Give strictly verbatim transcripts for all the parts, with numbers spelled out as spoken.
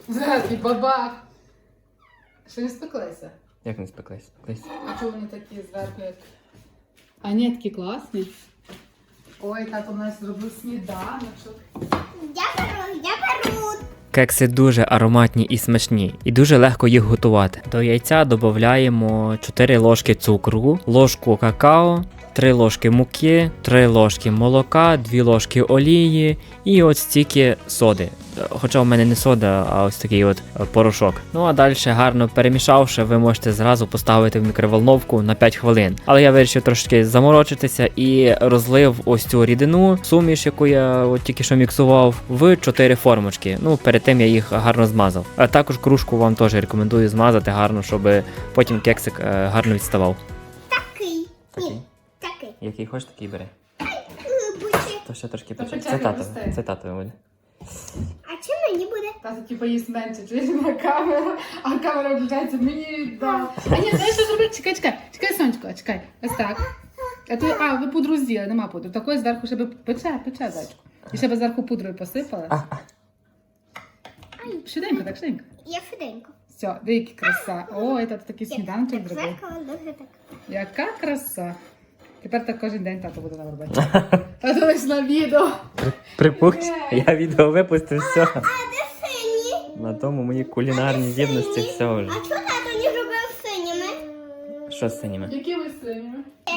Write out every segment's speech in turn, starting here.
Зараз і бабах. Ще не спеклися? Як не спеклись? Спеклись. А чого вони такі зверху, як... А ні, такі класні. Ой, тато у нас зробив сніданочок. Я беру, я беру. Кекси дуже ароматні і смачні, і дуже легко їх готувати. До яйця додаємо чотири ложки цукру, ложку какао, три ложки муки, три ложки молока, дві ложки олії і ось стільки соди. Хоча в мене не сода, а ось такий от порошок. Ну а далі, гарно перемішавши, ви можете зразу поставити в мікроволновку на п'ять хвилин. Але я вирішив трошки заморочитися і розлив ось цю рідину, суміш, яку я от тільки що міксував, в чотири формочки. Ну, перед тим я їх гарно змазав. А також кружку вам теж рекомендую змазати гарно, щоб потім кексик гарно відставав. Такий. Такий? Ні, такий. Який хочеш, такий бери. Бучі. То ще трошки Та почекай. почекай, Це татове. пусти. Це татове буде. А чим мені буде? Тато типу їсть менше, чуєш на камеру, а камера включається мені, да. А ні, знаєш, що зробити? Чекай, чекай, чекай, сонечко, чекай. Ось так. А, то, а ви пудру з'їли, нема пудри. Такої зверху ще би пече, пече, зайчку. І ще би зверху пудрою посипали. Швиденько, так, швиденько. Я швиденько. Все, деякі краса. Ой, тато такий сніданочок Так, зробив. зеркало дуже так. Яка краса. Тепер так кожен день тато буде нам робити. Тато лиш на відео. Припух, я відео випустив, все. А де сині? На тому мої кулінарні здібності все вже. А чого тато не зробив синіми? Що з синіми? Які ви сині?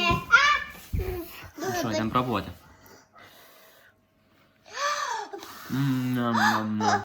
Що, йдемо пробувати? М-ням-ням-ням.